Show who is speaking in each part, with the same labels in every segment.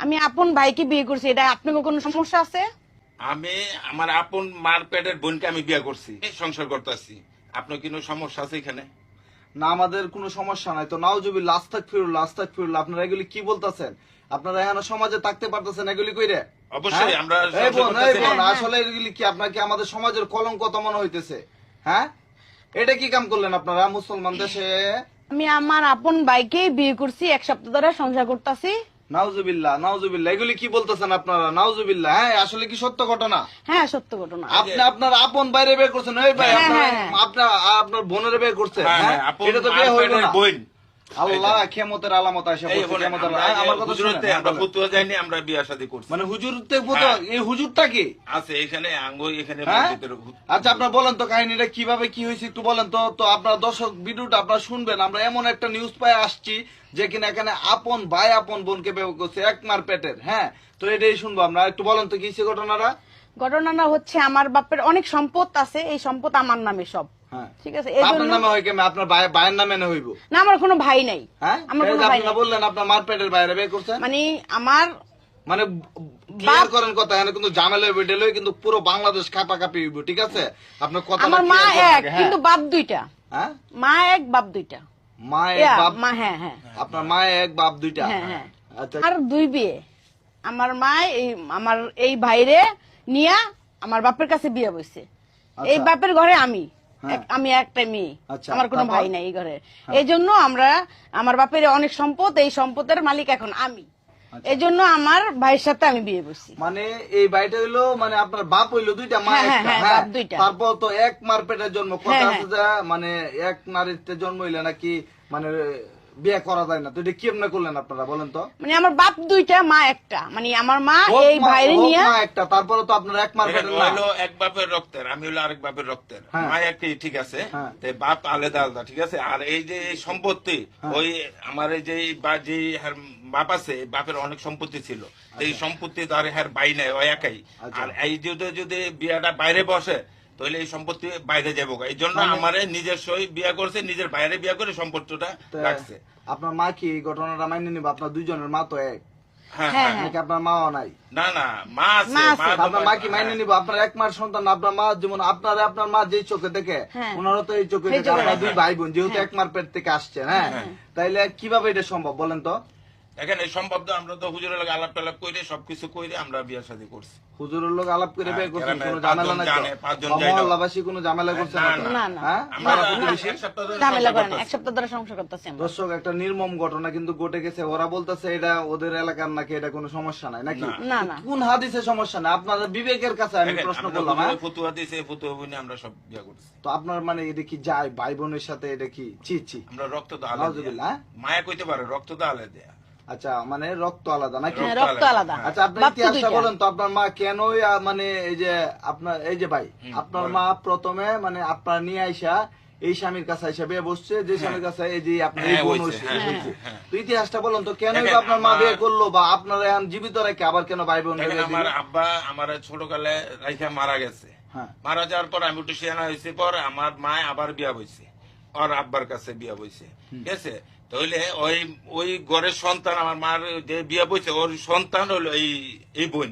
Speaker 1: আমি আপন ভাইকে বিয়ে করছি, এটা আপনার কোনো সমস্যা আছে?
Speaker 2: আমি আমার আপন মার পেটের বোনকে আমি বিয়ে করছি, সংসার করতেছি। আপনার কোনো সমস্যা আছে এখানে?
Speaker 3: না, আমাদের কোনো সমস্যা নাই তো। নাউজুবিল্লাহ, আস্তাগফিরুল্লাহ, আস্তাগফিরুল্লাহ। আপনারা এগুলি কি বলতেছেন? আপনারা এখন সমাজে থাকতে পারতেছেন এগুলি কইরে?
Speaker 2: অবশ্যই আমরা
Speaker 3: এই বোন,
Speaker 2: সংসার করতেছি।
Speaker 3: আসলে এগুলি কি আপনার কি আমাদের সমাজের কলঙ্ক তো মনে হইতেছে? হ্যাঁ, এটা কি কাম করলেন আপনারা মুসলমান দেশে?
Speaker 1: আমি আমার আপন ভাইকে বিয়ে করছি, 1 সপ্তাহ ধরে সংসার করতেছি।
Speaker 3: নাউজুবিল্লাহ, নাউজুবিল্লাহ, এগুলি কি বলতেছেন আপনারা? নাউজুবিল্লাহ। হ্যাঁ, আসলে কি সত্য ঘটনা?
Speaker 1: হ্যাঁ, সত্য ঘটনা।
Speaker 3: আপনি আপনার আপন বাইরে বিয়ে করছেন? এই ভাই,
Speaker 1: হ্যাঁ,
Speaker 3: আপনার
Speaker 1: হ্যাঁ।
Speaker 3: আপনার আপনার বোনের বিয়ে করছেন?
Speaker 2: হ্যাঁ,
Speaker 3: হ্যাঁ,
Speaker 2: হ্যাঁ, আপন
Speaker 3: এটা তো
Speaker 2: মার
Speaker 3: বিয়ে হইল
Speaker 2: পেটের
Speaker 3: না।
Speaker 2: বোন।
Speaker 3: আল্লাহ, ক্ষমতার আলামত আসে
Speaker 2: এই
Speaker 3: বলছে,
Speaker 2: বলেন,
Speaker 3: ক্ষমতার
Speaker 2: আমরা
Speaker 3: আমার কথা শুনেন।
Speaker 2: হুজুরতে আমরা ফতুয়া যাইনি, আমরা বিয়ে শাদী করছি।
Speaker 3: মানে হুজুরতে ফতুয়া, এই হুজুরটা কি?
Speaker 2: আছে এখানে আঙ্গ এখানে
Speaker 3: হ্যাঁ?
Speaker 2: মসজিদের
Speaker 3: আচ্ছা, আপনার বলেন তো কাহিনীটা কিভাবে কি হয়েছে একটু বলেন তো। তো আপনার দর্শক ভিডিওটা আপনারা শুনবেন। আমরা এমন একটা নিউজ পাই আসছি যে কিনা এখানে আপন ভাই আপন বোনকে বিয়ে করছে, এক মার পেটের। হ্যাঁ, তো এটাই শুনবো আমরা। একটু বলেন তো কি হয়েছে ঘটনাটা।
Speaker 1: ঘটনাটা হচ্ছে, আমার বাপের অনেক সম্পদ আছে, এই সম্পদ আমার নামে সব।
Speaker 3: হ্যাঁ,
Speaker 1: ঠিক আছে, এই
Speaker 3: আপনার
Speaker 1: জন্য
Speaker 3: নামে হয় কেমন? আপনার ভাইয়ের নামে না হইব?
Speaker 1: না, আমার কোনো ভাই নাই।
Speaker 3: হ্যাঁ,
Speaker 1: আমার
Speaker 3: এই
Speaker 1: কোনো
Speaker 3: যে
Speaker 1: ভাই
Speaker 3: আপনারা
Speaker 1: নাই।
Speaker 3: বললেন আপনার মার পেটের বাইরে বিয়ে করছেন।
Speaker 1: মানে আমার
Speaker 3: মানে ক্লিয়ার করেন কথা, এখানে কিন্তু ঝামেলা হইবে, ডেলে কিন্তু পুরো বাংলাদেশ কাপাকাপি হইব। ঠিক আছে, আপনার কথা
Speaker 1: আমার মা এক, কিন্তু বাপ দুইটা।
Speaker 3: হ্যাঁ,
Speaker 1: মা এক, বাপ দুইটা।
Speaker 3: মা এক
Speaker 1: ইয়া,
Speaker 3: বাপ,
Speaker 1: মা, হ্যাঁ হ্যাঁ
Speaker 3: আপনার মা এক বাপ দুইটা।
Speaker 1: হ্যাঁ হ্যাঁ।
Speaker 3: আচ্ছা,
Speaker 1: আর 2 বিয়ে। আমার মা আমার এই ভাইরে নিয়া আমার বাপের কাছে বিয়ে বসছে।
Speaker 3: আচ্ছা।
Speaker 1: এই বাপের ঘরে আমি
Speaker 3: হ্যাঁ।
Speaker 1: আমি একটা মেয়ে।
Speaker 3: আচ্ছা,
Speaker 1: আমার কোনো
Speaker 3: তারপর?
Speaker 1: ভাই নাই এই ঘরে। এই জন্য আমার বাপের অনেক সম্পদ, এই সম্পদের মালিক এখন আমি।
Speaker 3: আচ্ছা।
Speaker 1: এই জন্য আমার ভাইয়ের সাথে আমি বিয়ে বসছি।
Speaker 3: মানে এই বাড়িটা হইলো, মানে আপনার বাপ হইলো দুইটা, মা
Speaker 1: হ্যাঁ, হ্যাঁ,
Speaker 3: একটা।
Speaker 1: হ্যাঁ,
Speaker 3: হ্যাঁ,
Speaker 1: বাপ দুইটা।
Speaker 3: তারপর তো এক মার পেটের জন্ম। কথা
Speaker 1: হ্যাঁ,
Speaker 3: আছে যে মানে এক নারীতে জন্ম হইলে নাকি মানে বিয়ে করা যায় না। তো এটা কেমনে করলেন আপনারা বলেন তো?
Speaker 1: মানে আমার বাপ দুইটা, মা একটা। মানে আমার মা
Speaker 3: হোক
Speaker 1: এই ভাইরে
Speaker 3: হোক
Speaker 1: নিয়া
Speaker 3: মা একটা, তারপরে তো আপনার এক মার
Speaker 2: এখানে
Speaker 3: পেটের না।
Speaker 2: হলো এক বাপের রক্তের, আমি হলো আরেক বাপের রক্তের।
Speaker 3: হ্যাঁ।
Speaker 2: মা একই, ঠিক আছে,
Speaker 3: হ্যাঁ।
Speaker 2: তো বাপ আলাদা আলাদা, ঠিক আছে। আর এই যে এই সম্পত্তি,
Speaker 3: হ্যাঁ।
Speaker 2: ওই আমার এই যে যে হ্যার বাপ আছে, এই বাপের অনেক সম্পত্তি ছিল। তো এই সম্পত্তি তো আর হ্যার বাই নাই, ওই একাই।
Speaker 3: আচ্ছা।
Speaker 2: আর এই যদি বিয়াটা বাইরে বসে, তাহলে এই সম্পত্তি বাইরে যাবো। এই জন্য আমার নিজস্বই বিয়া করছে, নিজের বাইরে বিয়া করে সম্পত্তিটা
Speaker 3: তো
Speaker 2: রাখছে।
Speaker 3: আপনার মা কি এই ঘটনাটা মাইনে নিবে? আপনার দুইজনের মা তো এক,
Speaker 2: হ্যাঁ
Speaker 1: হ্যাঁ,
Speaker 2: হ্যাঁ।
Speaker 3: নাকি আপনার মাও নাই?
Speaker 2: না না, মা আছে,
Speaker 1: মা আছে।
Speaker 2: তো
Speaker 3: আপনার মা কি মাইনে নিব? আপনার এক মার সন্তান, আপনার মা যেমন আপনার মা যেই চোখে দেখে,
Speaker 1: হ্যাঁ।
Speaker 3: ওনারও তো এই চোখে
Speaker 1: এই
Speaker 3: দেখে।
Speaker 1: চোখে
Speaker 3: আপনার
Speaker 1: দেখে।
Speaker 3: দুই ভাই বোন যেহেতু এক মার পেট থেকে আসছে, হ্যাঁ, তাইলে কিভাবে এটা সম্ভব বলেন তো?
Speaker 2: এখানে সম্ভব তো, আমরা তো হুজুরের লাগে আলাপ টালাপ করে সবকিছু করে আমরা বিয়া শাদী করছি।
Speaker 3: হুজুরের লোক আলাপ করে বিয়ে করছেন,
Speaker 2: গ্রামে
Speaker 3: কোনো ঝামেলা নাই তো?
Speaker 2: 5 জন
Speaker 3: বা
Speaker 2: যাইলো।
Speaker 3: মহল্লাবাসী কোনো ঝামেলা করছে না তো?
Speaker 1: না, না।
Speaker 3: হ্যাঁ,
Speaker 2: আমরা
Speaker 3: পাড়া প্রতিবেশী?
Speaker 2: এক সপ্তাহ ধরে
Speaker 1: ঝামেলা
Speaker 2: সংসার
Speaker 1: করে না,
Speaker 2: করতেছি।
Speaker 1: 1 সপ্তাহ ধরে সংসার করতেছি আমরা।
Speaker 3: দর্শক, একটা নির্মম ঘটনা কিন্তু ঘটে গেছে। ওরা বলতেছে এটা ওদের এলাকার নাকি, এটা কোনো সমস্যা নাই নাকি?
Speaker 1: না, না।
Speaker 3: কোন হাদিসে সমস্যা নাই? আপনাদের বিবেকের কাছে আমি
Speaker 2: দেখেন,
Speaker 3: প্রশ্ন
Speaker 2: আমরা
Speaker 3: করলাম। হ্যাঁ,
Speaker 2: হুজুরে ফতুয়া দিয়েছে, ফতুয়া বইনে আমরা সব বিয়া করছি।
Speaker 3: তো আপনার মানে এটা কি যায় ভাই বোনের সাথে? এটা কি ছি?
Speaker 2: আমরা রক্ত তো আলাদা।
Speaker 3: নাউজুবিল্লাহ, হ্যাঁ?
Speaker 2: মায়া কইতে পারে রক্ত তো আলাদা।
Speaker 3: আচ্ছা, মানে রক্ত আলাদা নাকি?
Speaker 1: হ্যাঁ, রক্ত আলাদা।
Speaker 3: আচ্ছা, আপনার
Speaker 1: বাপ তো
Speaker 3: ইতিহাসটা
Speaker 1: দুইটা।
Speaker 3: বলেন তো। আপনার মা কেন মানে এই যে আপনার এই যে ভাই, আপনার মা প্রথমে মানে আপনার নিয়ে আইসা এই স্বামীর কাছে আইসা বিয়ে বসছে, যে স্বামীর কাছে এই যে আপনার এই
Speaker 2: হ্যাঁ,
Speaker 3: বোন
Speaker 2: হইছে,
Speaker 3: হইছে,
Speaker 2: হ্যাঁ,
Speaker 3: হইছে।
Speaker 2: হ্যাঁ।
Speaker 3: তো ইতিহাসটা বলেন তো, কেন
Speaker 2: দেখেন,
Speaker 3: আপনার মা
Speaker 2: আমার-
Speaker 3: বিয়ে করলো, বা আপনার এখন জীবিত রেখে আবার কেন ভাই বোন
Speaker 2: দেখেন, আমার আব্বা আমার ছোটকালে রাইখা মারা গেছে।
Speaker 3: হ্যাঁ,
Speaker 2: মারা যাওয়ার পর আমি একটু সিয়ানা হয়েছে পর আমার মা আবার বিয়া বইছে, ওর আব্বার কাছে বিয়া বইছে, ঠিক আছে। তাহলে ওই ঘরের সন্তান, আমার মার যে বিয়া বইছে, ওর সন্তান হলো এই বোন,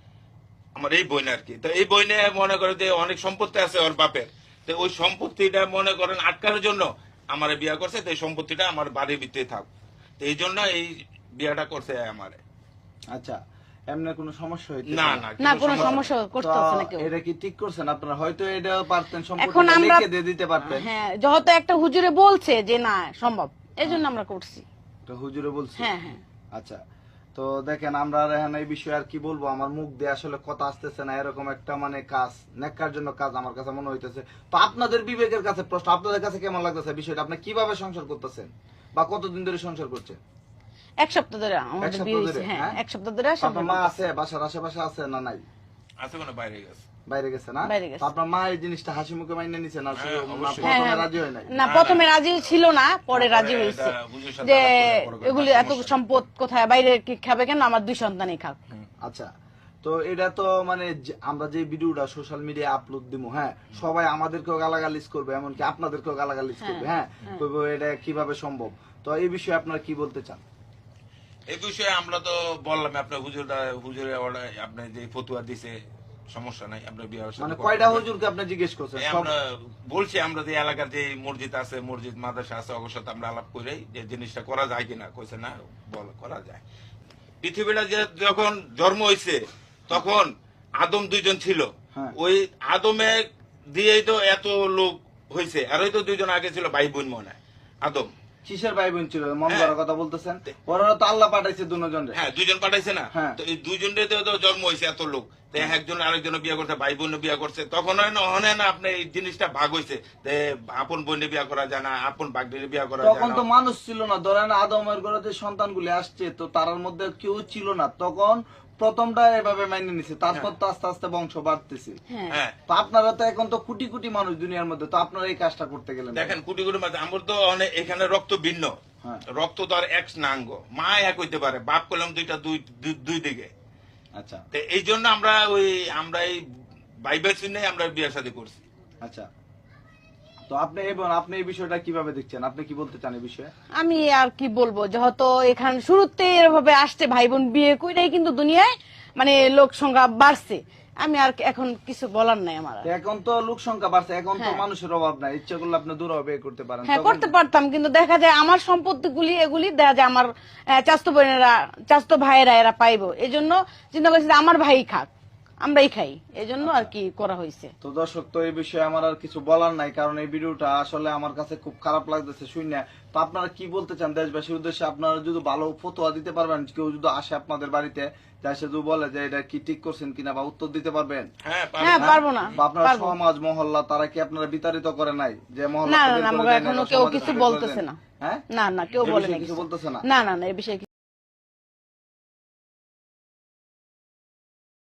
Speaker 2: আমার এই বোন আর কি। তো এই বোনে মনে করে যে অনেক সম্পত্তি আছে ওর বাপের, তো ওই সম্পত্তিটা মনে করেন আটকানোর জন্য আমার বিয়া করছে। তো এই সম্পত্তিটা আমার বাড়ির ভিতরে থাক, তো এই জন্য এই বিয়াটা করছে আমারে।
Speaker 3: আচ্ছা, এমনি কোনো সমস্যা হইতে
Speaker 2: না
Speaker 3: পারে?
Speaker 2: না,
Speaker 1: না,
Speaker 2: কোনো
Speaker 1: কোনো
Speaker 2: সমস্যা
Speaker 1: সমস্যা
Speaker 3: তো
Speaker 1: করতেছে না কেউ।
Speaker 3: এটা কি ঠিক করছেন আপনারা? হয়তো এটা পারতেন
Speaker 1: এখন
Speaker 3: সম্পূর্ণ
Speaker 1: আমরা
Speaker 3: লিখে দিয়ে দিতে পারতেন।
Speaker 1: হ্যাঁ, যেহেতু একটা হুজুরে বলছে যে না সম্ভব, এই জন্য আমরা করছি।
Speaker 3: তো হুজুরে বলছে।
Speaker 1: হ্যাঁ, হ্যাঁ।
Speaker 3: আচ্ছা, তো দেখেন, আমরা আর এখন এই বিষয়ে আর কি বলবো, আমার মুখ দিয়ে আসলে কথা আসতেছে না। এরকম একটা মানে কাজ, নেককার জন্য কাজ আমার কাছে মনে হইতেছে। তো আপনাদের বিবেকের কাছে প্রশ্ন, আপনাদের কাছে কেমন লাগতেছে বিষয়টা? আপনি কিভাবে সংসার করতেছেন বা কতদিন ধরে সংসার করছেন?
Speaker 1: 1 সপ্তাহ ধরে আমাদের
Speaker 3: সপ্তাহ
Speaker 1: বিয়ে
Speaker 3: ধরে,
Speaker 1: হয়েছে। হ্যাঁ,
Speaker 3: হ্যাঁ?
Speaker 1: 1 সপ্তাহ ধরে
Speaker 3: আপনার
Speaker 1: সংসার
Speaker 3: মা
Speaker 1: করতেছি।
Speaker 3: আছে বাসার আশেপাশে আছে না নাই?
Speaker 2: আছে কোনো বাইরে গেছে।
Speaker 3: বাইরে গেছে না?
Speaker 1: বাইরে গেছে।
Speaker 3: তো আপনার মা এই জিনিসটা হাসি মুখে মাইনে নিছে না?
Speaker 2: হ্যাঁ,
Speaker 3: না
Speaker 2: অবশ্যই।
Speaker 3: প্রথমে
Speaker 1: হ্যাঁ,
Speaker 3: রাজি হয় নাই?
Speaker 1: না, প্রথমে রাজি ছিল না, পরে রাজি
Speaker 2: পরে
Speaker 1: হয়েছে।
Speaker 2: এটা হুজুরের সাথে
Speaker 1: যে
Speaker 2: আলাপ করে
Speaker 1: এগুলি এত
Speaker 2: সমস্যা নেই।
Speaker 1: সম্পদ কোথায়, বাইরে কি খাবে কেন, আমার 2 সন্তানই খাক।
Speaker 3: আচ্ছা, তো এটা তো মানে আমরা যে ভিডিওটা সোশ্যাল মিডিয়া আপলোড দিব, হ্যাঁ, সবাই আমাদেরকেও গালাগালিজ করবে, এমনকি আপনাদেরকেও গালাগালিজ করবে, হ্যাঁ, কইবো এটা কিভাবে সম্ভব। তো এই বিষয়ে আপনারা কি বলতে চান?
Speaker 2: এই বিষয়ে আমরা তো বললাম আপনার হুজুরে আপনি যে ফতুয়া দিছে সমস্যা নাই, আপনার বিয়ে
Speaker 3: মানে কয়টা হুজুরকে আপনি জিজ্ঞেস করছেন?
Speaker 2: আমরা বলছি আমরা যে এলাকার যে মসজিদ আছে, মসজিদ মাদ্রাসা আছে, ওর সাথে আমরা আলাপ করে যে জিনিসটা করা যায় কিনা, কইছে না বল করা যায়। পৃথিবীটা যে যখন জন্ম হয়েছে তখন আদম 2 জন ছিল,
Speaker 3: হ্যাঁ।
Speaker 2: ওই আদমে দিয়েই তো এত লোক হয়েছে, আর ওই তো 2 জন আগে ছিল ভাই বোন মনে হয় আদম।
Speaker 3: কিসের ভাই বোন ছিল মন করার কথা বলতেছেন? ওরা তো আল্লাহ পাঠাইছে দুজন।
Speaker 2: হ্যাঁ 2 জন পাঠাইছে না,
Speaker 3: হ্যাঁ।
Speaker 2: তো এই 2 জনের তো জন্ম হয়েছে এত লোক, তো একজন আরেকজন বিয়ে করছে, ভাই বোন বিয়ে করছে, তখন হয় না আপনি এই জিনিসটা ভাগ হয়েছে যে আপন বোনে বিয়ে করা যায় না, আপন ভাগ্নের বিয়ে করা যায়
Speaker 3: তখন
Speaker 2: না।
Speaker 3: তো মানুষ ছিল না, ধরেন আদমের ঘরে যে সন্তানগুলি আসছে তো তার মধ্যে কেউ ছিল না, তখন প্রথমটা এভাবে মাইনে নিছে, তারপর তো আস্তে আস্তে বংশ বাড়তেছে।
Speaker 1: হ্যাঁ
Speaker 2: হ্যাঁ
Speaker 3: তো আপনারা তো এখন তো কোটি কোটি মানুষ দুনিয়ার মধ্যে, তো আপনারা এই কাজটা করতে গেলেন কেন?
Speaker 2: দেখেন কোটি কোটি মাঝে আমার তো অনেক এখানে রক্ত ভিন্ন,
Speaker 3: হ্যাঁ।
Speaker 2: রক্ত তো আর এক নাঙ্গ, মা এক হইতে পারে, বাপ করলাম দুই দিকে।
Speaker 3: আচ্ছা
Speaker 2: তো এই জন্য আমরা এই বাইবেল শুনে আমরা বিয়ে শাদী করছি।
Speaker 3: আচ্ছা, তো আপনি এই বিষয়টা কিভাবে দেখছেন? আপনি কি বলতে চান এই বিষয়ে?
Speaker 1: আমি আর কি বলবো, যেহেতু এখানে শুরুতে এভাবে আসছে ভাই বোন বিয়ে কইরাই কিন্তু দুনিয়ায় মানে লোক সংখ্যা বাড়ছে, আমি আর এখন কিছু বলার নাই আমার আর।
Speaker 3: তো এখন তো লোক সংখ্যা বাড়ছে, এখন তো
Speaker 1: হ্যাঁ।
Speaker 3: মানুষের অভাব নাই, ইচ্ছা করলে আপনি দূর বিয়ে করতে পারেন।
Speaker 1: হ্যাঁ
Speaker 3: তখন-
Speaker 1: করতে পারতাম, কিন্তু দেখা যায় আমার সম্পত্তি এগুলি দেখা যায় আমার চাচতো বোনেরা চাচতো ভাইয়েরা এরা পাইবো, এই জন্য চিন্তা করছি যে আমার ভাই খাক, আমরাই খাই, এই জন্য আর কি করা হয়েছে।
Speaker 3: তো দর্শক, তো এই বিষয়ে আমার আর কিছু বলার নাই, কারণ এই ভিডিওটা আসলে আমার কাছে খুব খারাপ লাগতেছে শুনে। তো আপনারা কি বলতে চান দেশবাসীর উদ্দেশ্যে? আপনারা যদি ভালো ফতোয়া দিতে পারবেন, কেউ যদি আসে আপনাদের বাড়িতে, সে যদি বলে যে এটা কি ঠিক করছেন কিনা, বা উত্তর দিতে পারবেন?
Speaker 2: হ্যাঁ
Speaker 1: হ্যাঁ পারবো না,
Speaker 3: বা আপনার
Speaker 1: পারবো।
Speaker 3: সমাজ মহল্লা তারা কি আপনারা বিতাড়িত করে নাই যে মহল্লা
Speaker 1: না
Speaker 3: থেকে
Speaker 1: না
Speaker 3: বের
Speaker 1: না,
Speaker 3: করে
Speaker 1: আমাকে
Speaker 3: দেয় নাই,
Speaker 1: এখনো
Speaker 3: বা
Speaker 1: কেউ
Speaker 3: সমাজে
Speaker 1: কিছু
Speaker 3: থেকে বের করে
Speaker 1: বলতেছে
Speaker 3: দেয়
Speaker 1: না।
Speaker 3: হ্যাঁ,
Speaker 1: না না কেউ
Speaker 3: এই
Speaker 1: বলে
Speaker 3: বিষয়ে
Speaker 1: না
Speaker 3: কিছু
Speaker 1: কিছু।
Speaker 3: বলতেছে না?
Speaker 1: না না না, এই বিষয়ে